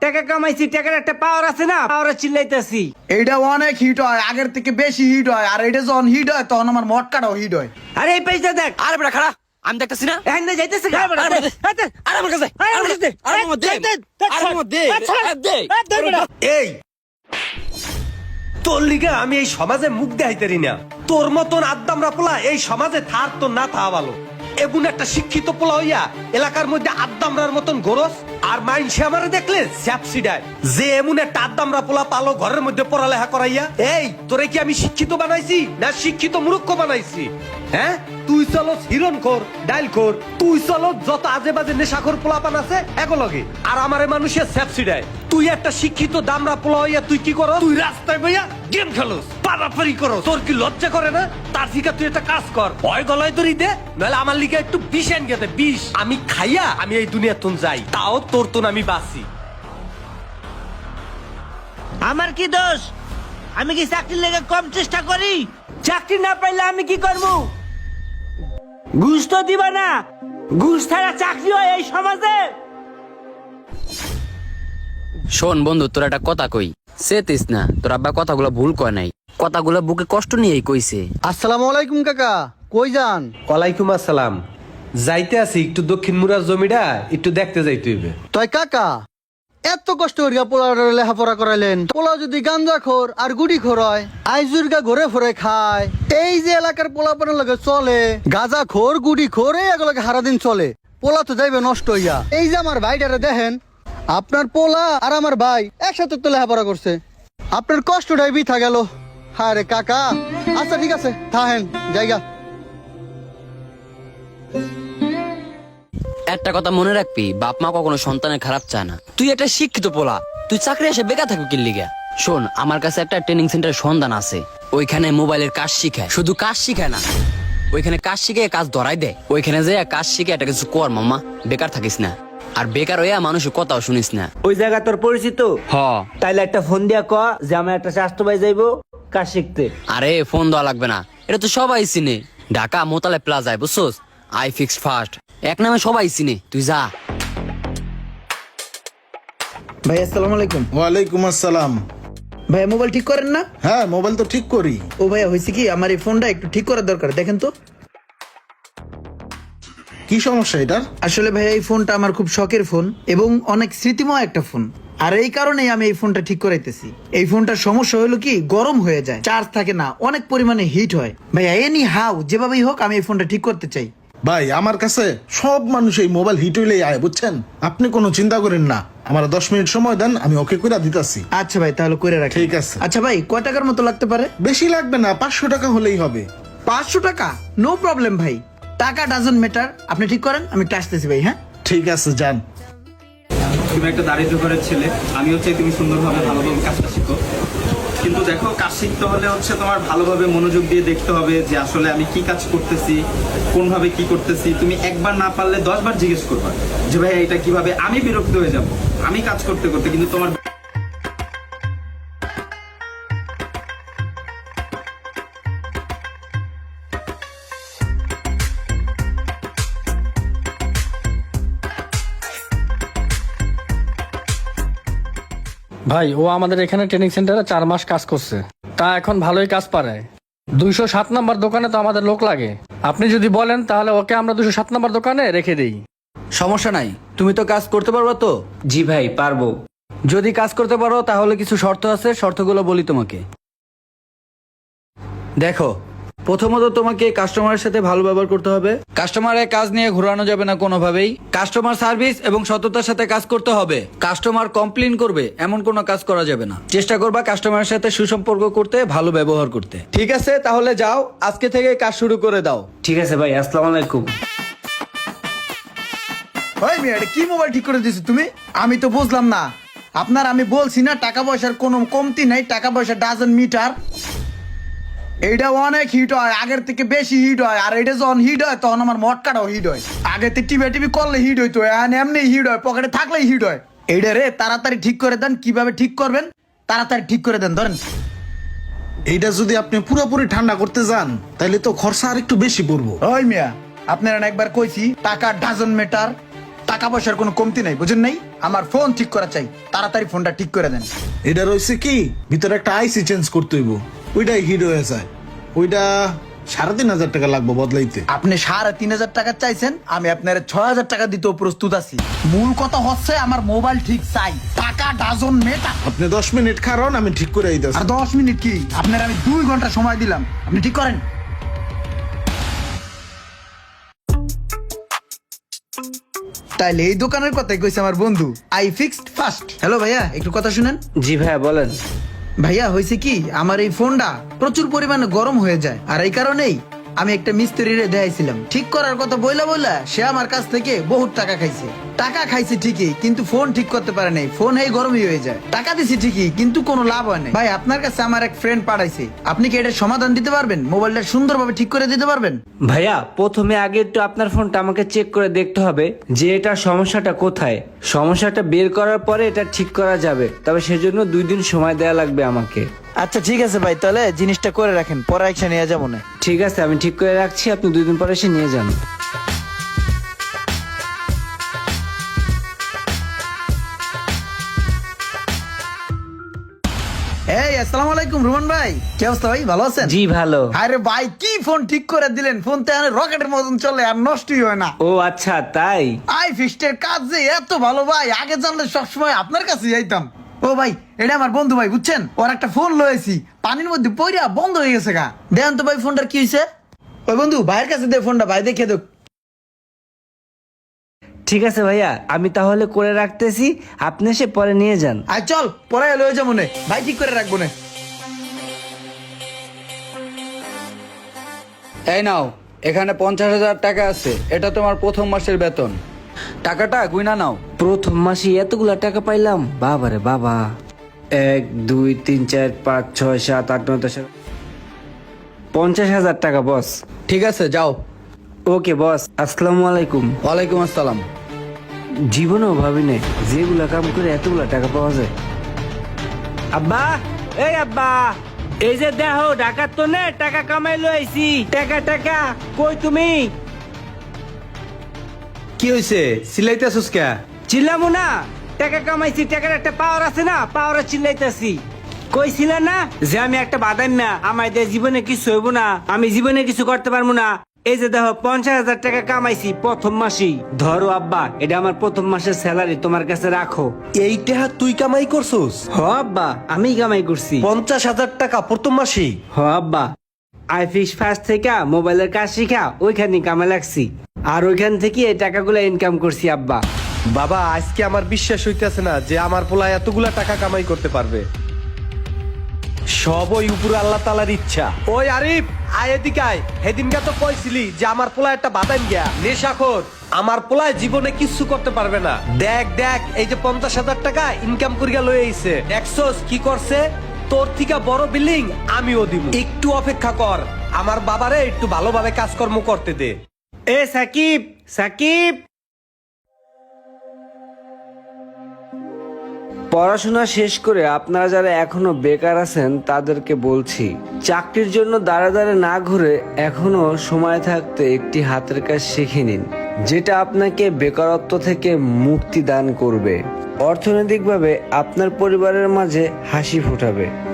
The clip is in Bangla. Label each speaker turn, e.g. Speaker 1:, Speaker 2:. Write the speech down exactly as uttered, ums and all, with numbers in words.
Speaker 1: টাকা কামাইছি, টাকার একটা পাওয়ার আছে না, পাওয়ারে চিল্লাইতেছি।
Speaker 2: এইটা অনেক হিট হয়, আগের থেকে বেশি হিট হয়। আর এটা যখন হিট হয় তখন আমার মটকাটাও হিট হয়।
Speaker 1: আরে এই পয়সা দেখ।
Speaker 3: আরে বেটা খাড়া, আমি দেখতেছি না।
Speaker 1: এখন না যাইতেছে গা।
Speaker 3: আরে বেটা দে, আরে আমার কাছে, আরে আমার কাছে দে, আরে আমার দে, আরে আমার দে, আরে দে।
Speaker 4: এই তোর লিগে আমি এই সমাজে মুখ দেখাইতেরি না। তোর মতন আদ্দামরা পোলা এই সমাজে থার তো না থা ভালো। এমন একটা শিক্ষিত পোলা হইয়া এলাকার মধ্যে আদ্দামরার মতন গরস আর মাইনসে আমারে দেখলে স্যাপসিডায় যে এমন একটা আদ্দামরা পোলা পালো ঘরের মধ্যে পড়ালেখা করাইয়া। এই তোরে কি আমি শিক্ষিত বানাইছি না শিক্ষিত মূর্খ বানাইছি? হ্যাঁ, তুই চলো হিরণ খোর, ডাইল খোর, তুই চলো যত আজে বাজে নেশাখোর পোলাপান আছে এগুলোকে, আর আমারে মানুষের স্যাপসিডায়। তুই একটা শিক্ষিত দামরা পোলা হইয়া তুই কি করো? তুই রাস্তায় বইয়া গেম খেলোস, পারাপারি করো। তোর কি লজ্জা করে না? তার থেকে তুই একটা কাজ কর, হয় গলায় দড়ি দে, নাহলে আমার লিগে একটু বিষ এনে গেতে বিষ। আমি খাইয়া আমি এই দুনিয়া তুন যাই, তাও তোর তুন আমি বাঁচি।
Speaker 1: আমার কি দোষ? আমি কি চাকরির লেগে কম চেষ্টা করি? চাকরি না পাইলে আমি কি করব? ঘুষ তো দিবা না। ঘুষ ছাড়া চাকরি হয় এই সমাজে?
Speaker 3: শোন বন্ধু, তোর একটা কথা কই, সেতিস না। তোর আব্বা কথাগুলো ভুল কয় নাই, কথাগুলো বুকে কষ্ট নিয়েই কইছে।
Speaker 2: আসসালামু আলাইকুম কাকা, কই যান?
Speaker 4: ওয়ালাইকুম আসসালাম। যাইতে আছি একটু দক্ষিণ মুরার জমিটা একটু দেখতে যাইতে হইবে।
Speaker 5: তাই কাকা এত কষ্ট করিয়া পোলার লেখাপড়া করাইলেন, পোলা যদি গাঞ্জা খোর আর গুড়ি খোর হয়, আইজুরগা ঘুরে ফরে খায়, এই যে এলাকার পোলাপানের লগে চলে গাঁজা খোর গুড়ি খোর এই এগুলোকে সারাদিন চলে, পোলা তো যাইবে নষ্ট হইয়া। এই যে আমার ভাইটারে দেখেন, আপনার পোলা আর আমার ভাই একসাথে তো লেখাপড়া করছে, আপনার কষ্টটাই বৃথা গেল। হ্যাঁ রে কাকা, আচ্ছা ঠিক আছে থাহেন জায়গা।
Speaker 3: একটা কথা মনে রাখবি, বাপ মা কখনো সন্তানের খারাপ চায় না। তুই একটা শিক্ষিত পোলা, তুই চাকরি এসে বেকার থাকবি কি লিগা? শোন, আমার কাছে একটা ট্রেনিং সেন্টার সন্ধান আছে, ওইখানে মোবাইলের কাজ শিখায়। শুধু কাজ শিখায় না, ওইখানে কাজ শিখে কাজ ধরাই দেয়। ওইখানে যে কাজ শিখে একটা কিছু কর মামা, বেকার থাকিস না। আর বেকার হইয়া মানুষের কথাও শুনিস না।
Speaker 1: ওই জায়গা তোর পরিচিত?
Speaker 3: হ,
Speaker 1: তাইলে একটা ফোন দিয়া ক যে আমার একটা স্বাস্থ্য ভাই যাইবো কাজ শিখতে।
Speaker 3: আরে ফোন দেওয়া লাগবে না, এটা তো সবাই চিনে। ঢাকা মোতালে প্লাজায় বুঝছোস, আই ফিক্স ফার্স্ট এক নামে সবাই চিনে, তুই যা।
Speaker 2: ভাই আসসালামু আলাইকুম।
Speaker 6: ওয়ালাইকুম আসসালাম।
Speaker 2: ভাই মোবাইল ঠিক করেন না?
Speaker 6: হ্যাঁ, মোবাইল তো ঠিক করি।
Speaker 2: ও ভাইয়া হয়েছে কি, আমার এই ফোনটা একটু ঠিক করার দরকার, দেখেন তো।
Speaker 6: কি সমস্যা এটার?
Speaker 2: আসলে ভাইয়া এই ফোনটা আমার খুব শখের ফোন এবং অনেক স্মৃতিময় একটা ফোন, আর এই কারণেই আমি এই ফোনটা ঠিক করাইতেছি। এই ফোনটার সমস্যা হলো কি, গরম হয়ে যায়, চার্জ থাকে না, অনেক পরিমাণে হিট হয়। ভাইয়া এনি হাউ যেভাবেই হোক আমি এই ফোনটা ঠিক করতে চাই।
Speaker 6: ভাই আমার কাছে সব মানুষ এই মোবাইল হিট হইলেই আয়, বুঝছেন? আপনি কোনো চিন্তা করেন না, আমার দশ মিনিট সময় দেন, আমি ওকে করে দিতেছি।
Speaker 2: আচ্ছা ভাই তাহলে করে রাখি।
Speaker 6: ঠিক আছে।
Speaker 2: আচ্ছা ভাই কয় টাকার মতো লাগতে পারে?
Speaker 6: বেশি লাগবে না, পাঁচশো টাকা হলেই হবে।
Speaker 2: পাঁচশো টাকা? নো প্রবলেম ভাই, টাকা ডাজন্ট ম্যাটার, আপনি ঠিক করেন, আমি একটু আসতেছি ভাই। হ্যাঁ
Speaker 6: ঠিক আছে, যান।
Speaker 7: তুমি একটা দারিদ্র ঘরের ছেলে, আমি হচ্ছে তুমি সুন্দরভাবে ভালোভাবে কাজটা শিখো। কিন্তু দেখো, কাজ শিখতে হলে হচ্ছে তোমার ভালোভাবে মনোযোগ দিয়ে দেখতে হবে যে আসলে আমি কি কাজ করতেছি, কোনভাবে কি করতেছি। তুমি একবার না পারলে দশ বার জিজ্ঞেস করবা যে ভাই এটা কিভাবে। আমি বিরক্ত হয়ে যাব আমি কাজ করতে করতে, কিন্তু তোমার
Speaker 8: ভাই ও আমাদের এখানে ট্রেনিং সেন্টারে চার মাস কাজ করছে, তা এখন ভালোই কাজ পারে। দুইশো সাত নাম্বার দোকানে তো আমাদের লোক লাগে, আপনি যদি বলেন তাহলে ওকে আমরা দুশো সাত নাম্বার দোকানে রেখে দিই।
Speaker 9: সমস্যা নাই, তুমি তো কাজ করতে পারবে তো?
Speaker 1: জি ভাই পারবো।
Speaker 9: যদি কাজ করতে পারো তাহলে কিছু শর্ত আছে, শর্তগুলো বলি তোমাকে। দেখো, প্রথমত তোমাকে কাস্টমারের সাথে ভালো ব্যবহার করতে হবে, কাস্টমারের কাজ নিয়ে ঘোরানো যাবে না কোনোভাবেই, কাস্টমার সার্ভিস এবং সততার সাথে কাজ করতে হবে, কাস্টমার কমপ্লেইন করবে এমন কোনো কাজ করা যাবে না, চেষ্টা করবা কাস্টমারের সাথে সুসম্পর্ক করতে, ভালো ব্যবহার করতে। ঠিক আছে, তাহলে যাও, আজকে থেকে কাজ শুরু করে দাও।
Speaker 1: ঠিক আছে ভাই, আসসালামু আলাইকুম।
Speaker 2: ভাই মিয়া এটা কি মোবাইল ঠিক করে দিছো তুমি? আমি তো বুঝলাম না। আপনার আমি বলছি না টাকা পয়সার কোনো কমতি নাই, টাকা পয়সা ডাজন্ট মিটার। এইটা অনেক হিট হয়, আগের থেকে বেশি হিট হয়। আর এটা যখন হিট হয় তখন আমার মটকাটাও হিট হয়। আগে তো টিভি টিভি করলে হিট হইতো, এখন এমনি হিট হয়, পকেটে থাকলেই হিট হয়। এইটা রে তাড়াতাড়ি ঠিক করে দেন, কিভাবে ঠিক করবেন তাড়াতাড়ি ঠিক করে দেন। ধরেন
Speaker 6: এইটা যদি আপনি পুরোপুরি ঠান্ডা করতে যান তাহলে তো খরচা আর একটু বেশি পড়বো।
Speaker 2: ওই মিয়া আপনারা একবার কইছি টাকা ডাজন্ট ম্যাটার, টাকা পয়সার কোনো কমতি নাই, বুঝেন নাই? আমার ফোন ঠিক করা চাই, তাড়াতাড়ি ফোনটা ঠিক করে দেন।
Speaker 6: এটা রয়েছে কি ভিতরে একটা আইসি চেঞ্জ করতে হইব, ওইটাই হিট হয়ে যায়। ওইটা সাড়ে তিন হাজার টাকা লাগবে বদলাইতে।
Speaker 2: আপনি সাড়ে তিন হাজার টাকা চাইছেন, আমি আপনার ছয় হাজার টাকা দিতেও প্রস্তুত আছি। মূল কথা হচ্ছে আমার মোবাইল ঠিক চাই, টাকা ডাজন মেটা।
Speaker 6: আপনি দশ মিনিট কারণ আমি ঠিক করে দিতেছি।
Speaker 2: আর দশ মিনিট কি, আপনার আমি দুই ঘন্টা সময় দিলাম, আপনি ঠিক করেন। তাইলে এই দোকানের কথাই কইছে আমার বন্ধু, আই ফিক্সড ফার্স্ট। হ্যালো ভাইয়া, একটু কথা শুনেন।
Speaker 1: জি ভাইয়া বলেন।
Speaker 2: ভাইয়া হয়েছে কি, আমার এই ফোনটা প্রচুর পরিমাণে গরম হয়ে যায়, আর এই কারণেই আমি একটা মিস্ত্রিরে দেখাইছিলাম ঠিক করার কথা বইলা বইলা সে আমার কাছ থেকে বহুত টাকা খাইছে। টাকা খাইছে ঠিকই, কিন্তু ফোন ঠিক করতে পারে নাই, ফোন এই গরমই হয়ে যায়। টাকা দিছি ঠিকই, কিন্তু কোনো লাভ হয় নাই। ভাই আপনার কাছে আমার এক ফ্রেন্ড পাঠাইছে, আপনি কি এটার সমাধান দিতে পারবেন? মোবাইলটা সুন্দরভাবে ঠিক করে দিতে পারবেন?
Speaker 1: ভাইয়া প্রথমে আগে একটু আপনার ফোনটা আমাকে চেক করে দেখতে হবে যে এটা সমস্যাটা কোথায়। সমস্যাটা বের করার পরে এটা ঠিক করা যাবে, তবে সেজন্য দুই দিন সময় দেওয়া লাগবে আমাকে।
Speaker 2: আচ্ছা ঠিক আছে ভাই, তাহলে জিনিসটা করে রাখেন, পরে একসাথে নিয়ে যাবো না।
Speaker 1: ঠিক আছে, আমি ঠিক করে রাখছি, আপনি দুই দিন পরে এসে নিয়ে যান।
Speaker 2: এই আসসালামু আলাইকুম রুমান ভাই, কি অবস্থা ভাই, ভালো আছেন?
Speaker 1: জি ভালো।
Speaker 2: আরে ভাই কি ফোন ঠিক করে দিলেন, ফোন তো রকেটের মতন চলে আর নষ্টই হয় না।
Speaker 1: ও আচ্ছা তাই।
Speaker 2: আই ফিক্সডের কাজ যে এত ভালো ভাই, আগে জানলে সবসময় আপনার কাছে যাইতাম। ও ভাই এটা আমার বন্ধু ভাই, বুঝছেন? ওর একটা ফোন লয়েছি, পানির মধ্যে পইরা বন্ধ হয়ে গেছে গা। দেখেন তো ভাই ফোনটার কি হয়েছে। ওই বন্ধু ভাইয়ের কাছে দে ফোনটা, ভাই দেখে দেখ।
Speaker 1: ঠিক আছে ভাইয়া, আমি তাহলে করে রাখতেছি, আপনি এসে পরে নিয়ে যান।
Speaker 2: আর চল পরে লয়ে যাবো নে, ভাই ঠিক করে রাখবো নে।
Speaker 9: এই নাও, এখানে পঞ্চাশ হাজার টাকা আছে, এটা তোমার প্রথম মাসের বেতন। টাকাটা গুইনা নাও।
Speaker 1: প্রথম মাসে এতগুলা টাকা পাইলাম, বাবা রে বাবা। এক দুই তিন চার পাঁচ ছয় সাত আট নয় দশ, পঞ্চাশ হাজার টাকা বস।
Speaker 9: ঠিক আছে যাও।
Speaker 1: ওকে বস, আসসালামু আলাইকুম।
Speaker 9: ওয়ালাইকুম আসসালাম।
Speaker 1: জীবনেও ভাবি নাই যেগুলা কাম করে এতগুলা টাকা পাওয়া যায়। আব্বা, এই আব্বা, এই যে দেখো ঢাকার তো নে টাকা কামাই লইছি। টাকা টাকা কই তুমি?
Speaker 4: কি হয়েছে, সিলাইতেছস কে?
Speaker 1: চিল্লামু না, টাকা কামাইছি, টাকার একটা পাওয়ার আছে না, পাওয়ারে চিল্লাইতেছি। কইছিল না যে আমি একটা বাদাম না, আমার দিয়ে জীবনে কিছু হইব না, আমি জীবনে কিছু করতে পারবো না। এই যে দেখো পঞ্চাশ হাজার টাকা কামাইছি প্রথম মাসেই। ধরো আব্বা, এটা আমার প্রথম মাসের স্যালারি, তোমার কাছে রাখো।
Speaker 4: এই টাকা তুই কামাই করছস?
Speaker 1: হ আব্বা, আমি কামাই করছি
Speaker 4: পঞ্চাশ হাজার টাকা প্রথম মাসেই?
Speaker 1: হ আব্বা, আই ফিক্স ফার্স্ট থেকে মোবাইলের কাজ শিখা ওইখানে কামে লাগছি, আর ওইখান থেকে এই টাকাগুলো ইনকাম করছি আব্বা।
Speaker 4: বাবা আজকে আমার বিশ্বাস হইতেছে না যে আমার পোলা এতগুলা টাকা কামাই করতে পারবে। সব ওই উপরে আল্লাহ তাআলার ইচ্ছা। ওই আরিফ, আয় এদিকে আয়। সেদিনকে তো কইছিলি যে আমার পোলা একটা বাদাম গিয়া নেশাখোর, আমার পোলায় জীবনে কিচ্ছু করতে পারবে না। দেখ দেখ, এই যে পঞ্চাশ হাজার টাকা ইনকাম করিয়া লয়ে আইছে, দেখছস কি করছে? তোর থেকে বড় বিল্ডিং আমিও দিব, একটু অপেক্ষা কর, আমার বাবারে একটু ভালোভাবে কাজকর্ম করতে দে।
Speaker 1: এ সাকিব, সাকিব, পড়াশোনা শেষ করে আপনারা যারা এখনো বেকার আছেন তাদেরকে বলছি, চাকরির জন্য দাঁড়া দাঁড়া না ঘুরে এখনো সময় থাকতে একটি হাতের কাজ শিখে নিন, যেটা আপনাকে বেকারত্ব থেকে মুক্তি দান করবে, অর্থনৈতিকভাবে আপনার পরিবারের মাঝে হাসি ফোটাবে।